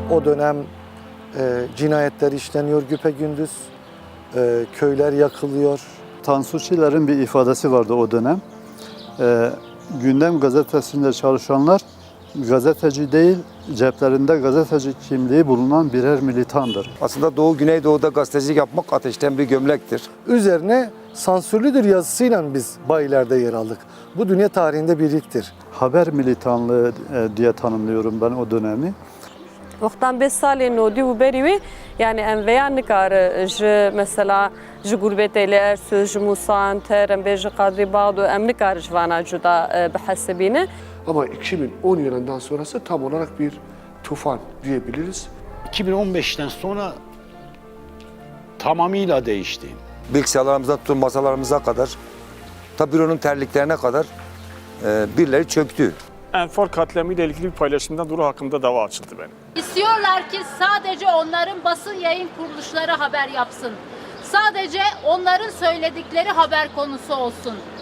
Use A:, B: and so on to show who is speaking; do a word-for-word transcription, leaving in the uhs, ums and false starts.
A: O dönem e, cinayetler işleniyor güpegündüz, e, köyler yakılıyor.
B: Tansu Çiller'in bir ifadesi vardı o dönem. E, Gündem gazetesinde çalışanlar gazeteci değil, ceplerinde gazeteci kimliği bulunan birer militandır.
C: Aslında Doğu Güneydoğu'da gazetecilik yapmak ateşten bir gömlektir.
A: Üzerine sansürlüdür yazısıyla biz bayilerde yer aldık. Bu dünya tarihinde bir ilktir.
B: Haber militanlığı e, diye tanımlıyorum ben o dönemi.
D: وقتاً به سال نودی و بری وی یعنی ام ویا نکاره ج مثلا ج گربت الارس ج موسان ترم به ج قدری بعض و ام نکاره جوانا جدا بحسبینه.
E: Ama iki bin on yılından sonrası tam olarak bir tufan diyebiliriz.
F: iki bin on beşten sonra tamamıyla değişti.
C: Bilgisayarlarımıza tutun masalarımıza kadar, ta büronun terliklerine kadar e, birileri çöktü.
G: Enfor katlemiyle ilgili bir paylaşımdan Duru hakkında dava açıldı benim.
H: İstiyorlar ki sadece onların basın yayın kuruluşları haber yapsın. Sadece onların söyledikleri haber konusu olsun.